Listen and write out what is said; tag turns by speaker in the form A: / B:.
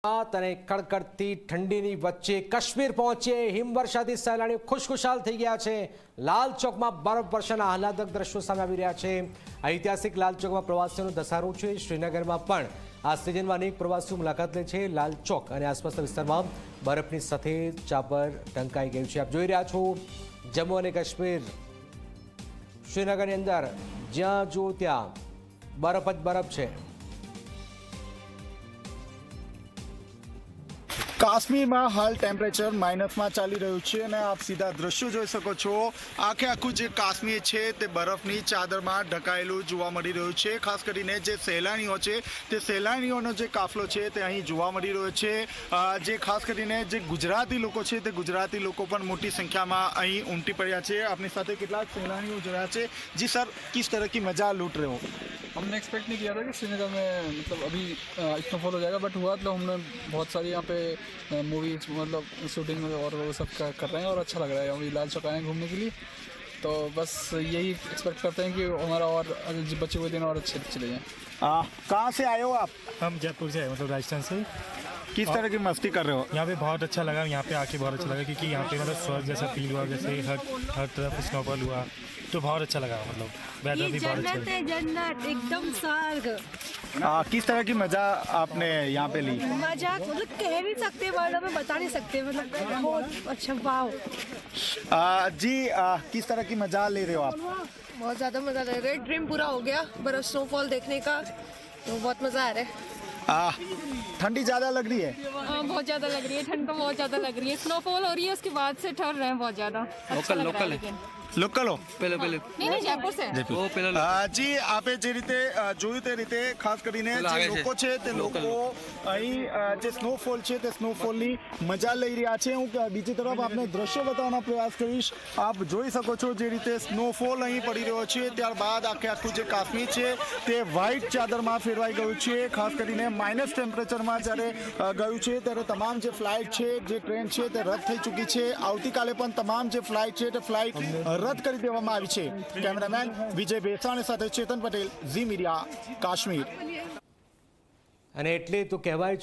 A: અને કડકડતી ઠંડીની વચ્ચે કાશ્મીર પહોંચે હિમવર્ષાથી સહેલાણીઓ ખુશખુશાલ થઈ ગયા છે। લાલ ચોકમાં બરફ વર્ષાના આહલાદક દ્રશ્યો સામે આવી રહ્યા છે। ઐતિહાસિક લાલ ચોકમાં પ્રવાસીઓનો ધસારો છે। શ્રીનગરમાં પણ આ સિઝનમાં અનેક પ્રવાસીઓ મુલાકાત લે છે। લાલ ચોક અને આસપાસના વિસ્તારમાં બરફની સફેદ ચાદર ઢંકાઈ ગયું છે। આપ જોઈ રહ્યા છો જમ્મુ અને કાશ્મીર શ્રીનગરની અંદર જ્યાં જો ત્યાં બરફ જ બરફ છે।
B: કાશ્મીરમાં હાલ ટેમ્પરેચર માઇનસમાં ચાલી રહ્યું છે અને આપ સીધા દ્રશ્યો જોઈ શકો છો। આખું જે કાશ્મીર છે તે બરફની ચાદરમાં ઢંકાયેલું જોવા મળી રહ્યું છે। ખાસ કરીને જે સહેલાણીઓ છે તે સહેલાણીઓનો જે કાફલો છે તે અહીં જોવા મળી રહ્યો છે। જે ખાસ કરીને જે ગુજરાતી લોકો છે તે ગુજરાતી લોકો પણ મોટી સંખ્યામાં અહીં ઉમટી પડ્યા છે। આપની સાથે કેટલાક સહેલાણીઓ જોયા છે। જી સર, किस तरह की मजा लूट रहे हो?
C: हमने एक्सपेक्ट नहीं किया था कि श्रीनगर में मतलब अभी इतना फॉल हो जाएगा, बट हुआ तो हमने बहुत सारी यहाँ पे मूवीज मतलब शूटिंग और वो सब कर रहे हैं और अच्छा लग रहा है। अभी लाल चौक आए हैं घूमने के लिए, तो बस यही एक्सपेक्ट करते हैं कि हमारा और बचे हुए दिन और अच्छे चले जाएँ।
B: कहाँ से आए हो आप?
D: हम जयपुर से मतलब राजस्थान से।
B: किस तरह की मस्ती कर रहे हो?
D: यहाँ पे बहुत अच्छा लगा, यहाँ पे आके बहुत अच्छा लगा क्योंकि यहाँ पे मतलब स्वर्ग जैसा फील हुआ, जैसे हर तरफ स्नोफॉल हुआ तो बहुत अच्छा लगा। मतलब वेदर भी बहुत अच्छा
E: जन्नत है, जन्नत एकदम स्वर्ग।
B: किस तरह की मजा आपने यहाँ पे ली?
E: मजा मतलब कह नहीं सकते, वर्ड में बता नहीं सकते, मतलब बहुत अच्छा। वाव
B: जी, किस तरह की मजा ले रहे हो आप?
E: बहुत ज़्यादा मज़ा लग रहा है। ड्रीम पूरा हो गया बर्फ स्नोफॉल देखने का, तो बहुत मज़ा आ रहा है।
B: ठंडी ज़्यादा लग रही है?
F: हाँ, बहुत ज़्यादा लग रही है। ठंड तो बहुत ज़्यादा लग रही है। स्नोफॉल हो रही है, उसके बाद से ठहर रहे हैं बहुत ज़्यादा।
B: लोकल हो?
F: नहीं जयपुर से।
B: જી, આપે જે રીતે જોયું તે રીતે ખાસ કરીને જે લોકો છે તે લોકો અહીં જે સ્નોફોલ છે તે સ્નોફોલની મજા લઈ રહ્યા છે। હું બીજી તરફ આપને દ્રશ્યો બતાવવાનો પ્રયાસ કરીશ। આપ જોઈ શકો છો જે રીતે સ્નોફોલ અહીં પડી રહ્યો છે, ત્યારબાદ આખું જે કાશ્મીર છે તે વ્હાઇટ ચાદરમાં ફેરવાઈ ગયું છે। ખાસ કરીને માઇનસ ટેમ્પરેચરમાં જ્યારે ગયું છે ત્યારે તમામ જે ફ્લાઇટ છે, જે ટ્રેન છે તે રદ થઈ ચૂકી છે। આવતીકાલે પણ તમામ જે ફ્લાઇટ છે તે ફ્લાઇટ રદ કરી દેવામાં આવી છે। કેમેરામેન વિજય બેસાણી સાથે ચેતન પટેલ, ઝી મીડિયા, કાશ્મીર।
A: અને એટલે તો કહેવાય